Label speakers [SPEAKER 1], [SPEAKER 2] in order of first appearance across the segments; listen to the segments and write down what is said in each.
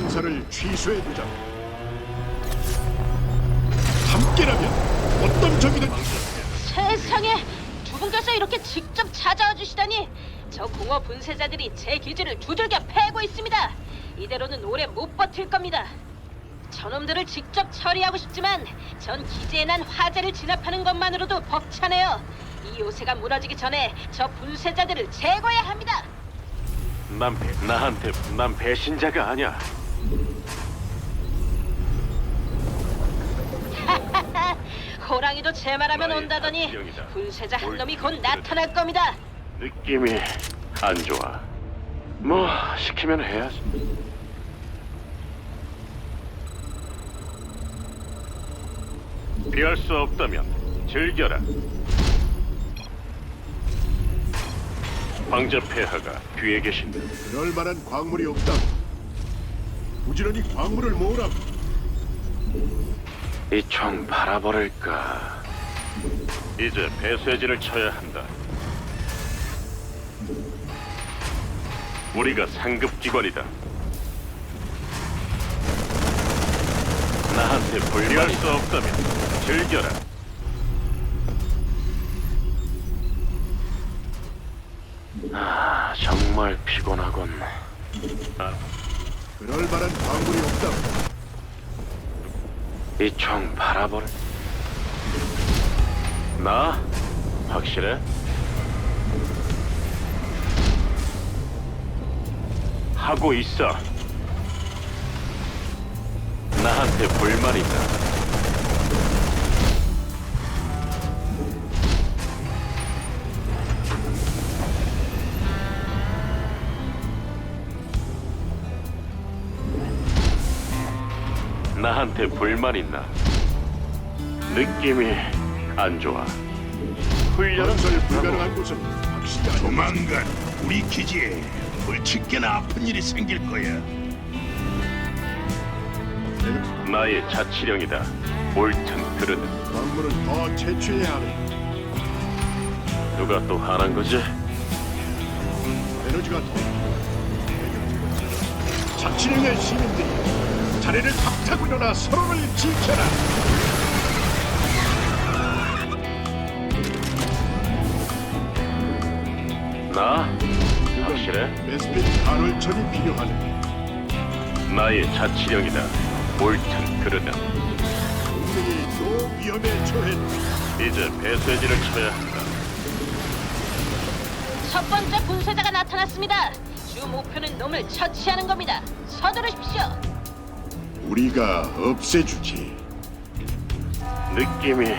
[SPEAKER 1] 행사를 취소해두자. 함께라면 어떤 적이든.
[SPEAKER 2] 세상에, 두 분께서 이렇게 직접 찾아와 주시다니. 저 공허 분쇄자들이 제 기지를 두들겨 패고 있습니다. 이대로는 오래 못 버틸 겁니다. 저놈들을 직접 처리하고 싶지만 전 기지에 난 화재를 진압하는 것만으로도 벅차네요. 이 요새가 무너지기 전에 저 분쇄자들을 제거해야 합니다.
[SPEAKER 3] 난 배신자가 아니야.
[SPEAKER 2] 호랑이도 제 말하면
[SPEAKER 3] 나의
[SPEAKER 2] 온다더니
[SPEAKER 3] 자치령이다.
[SPEAKER 2] 분쇄자 한 놈이 곧 나타날 겁니다.
[SPEAKER 3] 느낌이 안 좋아. 뭐 시키면 해야지. 피할 수 없다면 즐겨라. 황제 폐하가 뒤에 계신다.
[SPEAKER 1] 그럴 만한 광물이 없다. 부지런히 광물을 모으라.
[SPEAKER 3] 이 총 바라버릴까? 이제 배쇄진을 쳐야 한다. 우리가 상급 기관이다. 나한테 불리할 수 없다면 즐겨라. 정말 피곤하군.
[SPEAKER 1] 그럴 만한 광물이 없다.
[SPEAKER 3] 이 총 바라버릴. 나? 확실해? 하고 있어. 나한테 불만 있다. 나한테 불만 있나? 느낌이 안 좋아. 훈련은
[SPEAKER 1] 건설 불가능한 곳은 확실히 아니다.
[SPEAKER 4] 조만간 우리 기지에 불치게나 아픈 일이 생길 거야.
[SPEAKER 3] 나의 자치령이다. 옳든 그르든.
[SPEAKER 1] 광물을 더 채취해야 하네.
[SPEAKER 3] 누가 또 하는 거지?
[SPEAKER 1] 에너지가 더. 자치령의 시민들이 자리를 박차고 일어나 서로를 지켜라.
[SPEAKER 3] 나? 확실해?
[SPEAKER 1] 베스핀 간헐천이 필요하네.
[SPEAKER 3] 나의 자치령이다. 옳든 그르든.
[SPEAKER 1] 동맹이 또 위험에 처했다.
[SPEAKER 3] 이제 배쇄진을 쳐야 한다.
[SPEAKER 2] 첫 번째 분쇄자가 나타났습니다. 주 목표는 놈을 처치하는 겁니다. 서두르십시오.
[SPEAKER 1] 우리가 없애주지.
[SPEAKER 3] 느낌이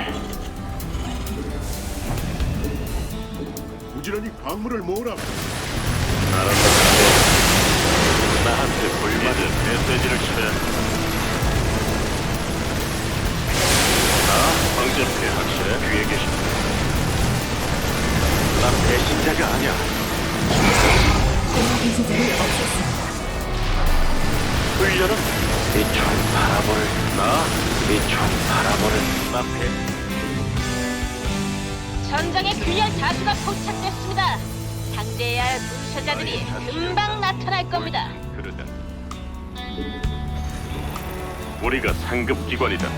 [SPEAKER 1] 부지런히 광물을 모으라.
[SPEAKER 3] 알았다. 나한테 불만은 메시지를 쳐야 한다. 나 황제폐 확실해? 뒤에 계신다. 난 배신자가 아니야.
[SPEAKER 5] 분쇄자를 없앴습니다.
[SPEAKER 3] 훈련은 이 총 바라보를 이 총 바라보를 난
[SPEAKER 2] 전장에 균열 다수가 포착됐습니다. 상대해야 할 분쇄자들이 금방 나타날 겁니다.
[SPEAKER 3] 그러다. 우리가 상급 기관이다.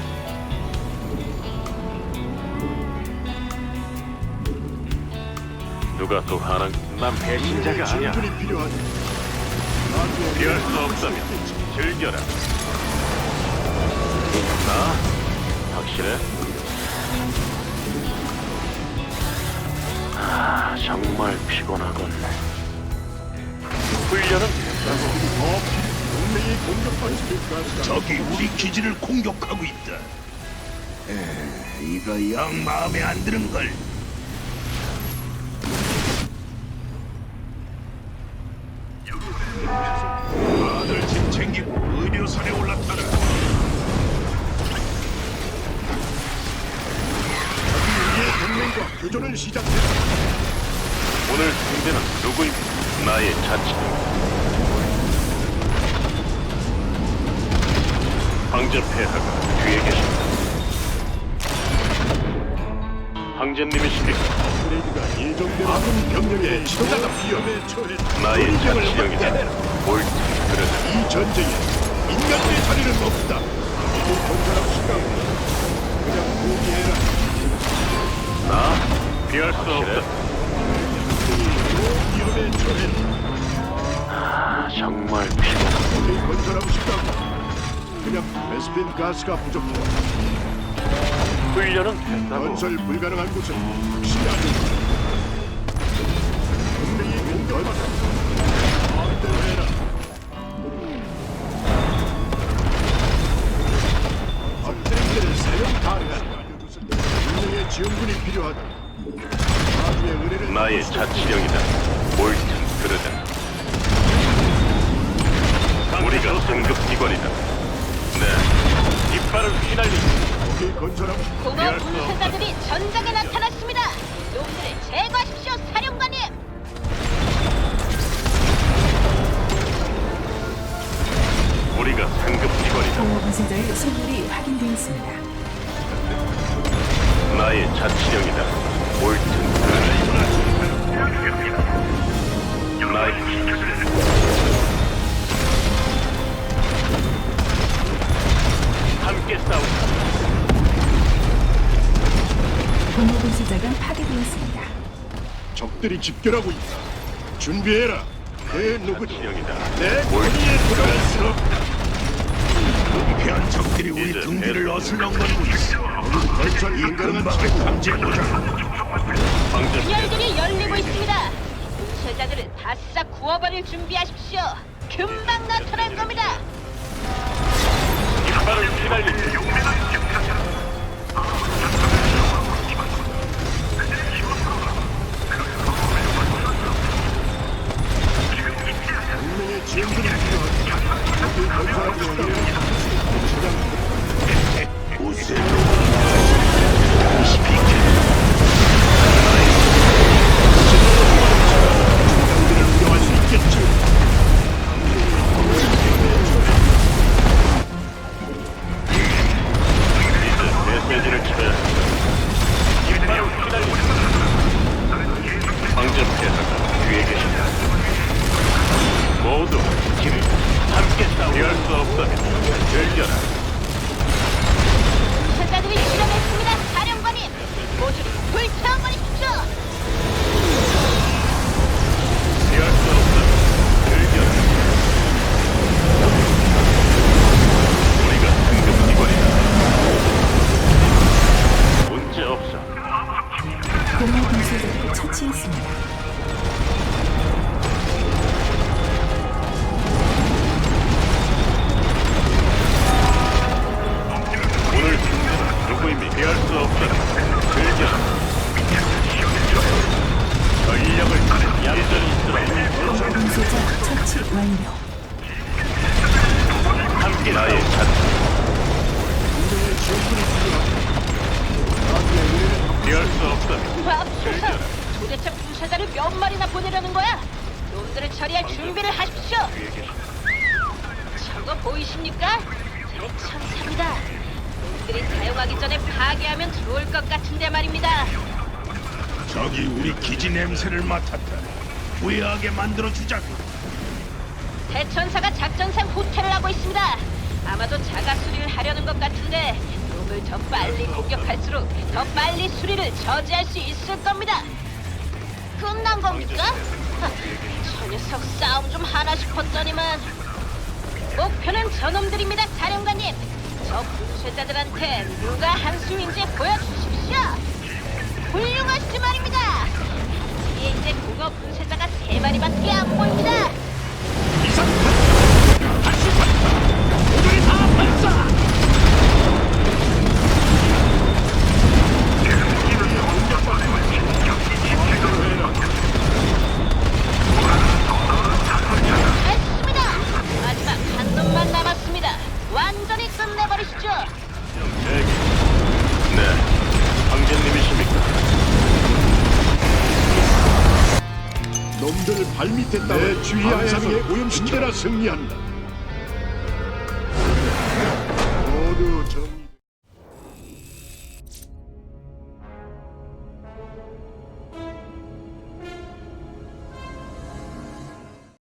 [SPEAKER 3] 누가 또 하는? 난 배신자가 아니야.
[SPEAKER 1] 전술이 필요하네.
[SPEAKER 3] 피할 수 없다면 즐겨라. 나? 확실해? 정말 피곤하군. 훈련은
[SPEAKER 1] 동맹이 공격받을 수 있다.
[SPEAKER 4] 적이 우리 기지를 공격하고 있다. 이거 영 마음에 안 드는 걸. 다들 짐 챙기고 의료선에 올라타라.
[SPEAKER 1] 우리의 동맹과 교전을 시작했다.
[SPEAKER 3] 오늘 상대는 누구입니까? 나의 자치. 황제 폐하가 뒤에 계신다. 황제님이십니까?
[SPEAKER 1] 그레이드가 예정대로 아군 병력의 지도자가 위험에 처했다.
[SPEAKER 3] 나의
[SPEAKER 1] 전쟁을
[SPEAKER 3] 자치령이다.
[SPEAKER 1] 확대해라.
[SPEAKER 3] 옳든 그르든.
[SPEAKER 1] 이 전쟁에 인간의 자리는 없다. 이제 건설하고 싶다고. 그냥 포기해라.
[SPEAKER 3] 나 피할 수 없다.
[SPEAKER 1] 위험에 처해.
[SPEAKER 3] 정말 피곤.
[SPEAKER 1] 이제 건설하고 싶다고. 그냥 베스핀 가스가 부족해.
[SPEAKER 3] 훈련은 됐다고.
[SPEAKER 1] 건설 불가능한 곳은 확실히 아니다. 동맹이 공격받아. 마음대로 해라. 업그레이드를 사용 가능하다. 동맹의 지원군이 필요하다. 나중에 의뢰를
[SPEAKER 3] 나의 자치령이다. 옳든 그르다. 우리가 상급 기관이다. 네, 이빨을 휘날리고
[SPEAKER 1] 거기 건설하고
[SPEAKER 2] 공허 분쇄자들이 전장에 나타났습니다. 놈들을 제거하십시오, 사령관님.
[SPEAKER 3] 우리가 상급 기관이다.
[SPEAKER 5] 공허 분쇄자의 소멸이 확인되었습니다.
[SPEAKER 3] 나의 자치령이다. 옳든 그르다. 나의 함께 싸우자.
[SPEAKER 5] 공허 분쇄자가 파괴되었습니다.
[SPEAKER 1] 적들이 집결하고 있다. 준비해라. 내 누구도
[SPEAKER 3] 자치령이다.
[SPEAKER 1] 내 권위에 들어갈 수 없다.
[SPEAKER 4] 은폐한 적들이 우리
[SPEAKER 3] 이제
[SPEAKER 4] 등 뒤를
[SPEAKER 3] 배를
[SPEAKER 4] 어슬렁거리고 있어.
[SPEAKER 1] 건설
[SPEAKER 4] 이
[SPEAKER 1] 불가능한
[SPEAKER 4] 근방을
[SPEAKER 1] 지역은
[SPEAKER 4] 강제보자.
[SPEAKER 3] 방전
[SPEAKER 2] 분열들이 열리고 있습니다. 분쇄자들을 바싹 구워버릴 준비하십시오. 금방 나타날 겁니다.
[SPEAKER 3] 이빨을 휘날리고
[SPEAKER 1] 동맹의 지원군이 필요하다. 거기 건설하고 싶다고. 운영할 수 있겠지.
[SPEAKER 3] 이제 메시지를 쳐야 이빨을 휘날리고 방전 폐하가 뒤에 계신다. 모두 힘을 함께 싸우자. 피할 수 없다면 즐겨라.
[SPEAKER 2] 분쇄자들이 실험했습니다, 사령관님. 모두를 불태워버리십시오.
[SPEAKER 3] 피할 수 없다면 즐겨라. 우리가 상급 기관이다. 문제 없어.
[SPEAKER 5] 공허 분쇄자를 처치했습니다.
[SPEAKER 3] 오늘 승리는 누구임이 피할 수 없다면 즐겨라. 전력을 얌전히 쓰라.
[SPEAKER 5] 공허 분쇄자 처치 완료.
[SPEAKER 3] 함께 나의 자치.
[SPEAKER 1] 동맹의 지원군이 필요하다. 나중에 의뢰를
[SPEAKER 3] 피할 수 없다면
[SPEAKER 2] 맙소사. 도대체 분쇄자를 몇 마리나 보내려는 거야? 놈들을 처리할 준비를 하십시오.
[SPEAKER 3] 뒤에 계신다.
[SPEAKER 2] 저거 보이십니까? 제 천사입니다. 놈들이 사용하기 전에 파괴하면 좋을 것 같은데 말입니다.
[SPEAKER 4] 적이 우리 기지 냄새를 맡았다. 후회하게 만들어주자고.
[SPEAKER 2] 대천사가 작전상 후퇴를 하고 있습니다. 아마도 자가 수리를 하려는 것 같은데 놈을 더 빨리 공격할수록 더 빨리 수리를 저지할 수 있을 겁니다. 끝난 겁니까? 하, 저 녀석 싸움 좀 하나 싶었더니만. 목표는 저놈들입니다, 사령관님. 저 분쇄자들한테 누가 한수인지 보여주십시오. 훌륭하시지 말입니다. 이게 이제 공허 분쇄자가 3마리밖에 안 보입니다.
[SPEAKER 1] 이상 다시 산다. 모조리 다 발사.
[SPEAKER 2] 됐습니다. 마지막 한 놈만 남았습니다. 완전히 끝내버리시죠.
[SPEAKER 3] 네, 황제님이십니까?
[SPEAKER 1] 놈들 발밑에 따라 내 주의하에서 오염시켜라. 승리한다. 모두 정리.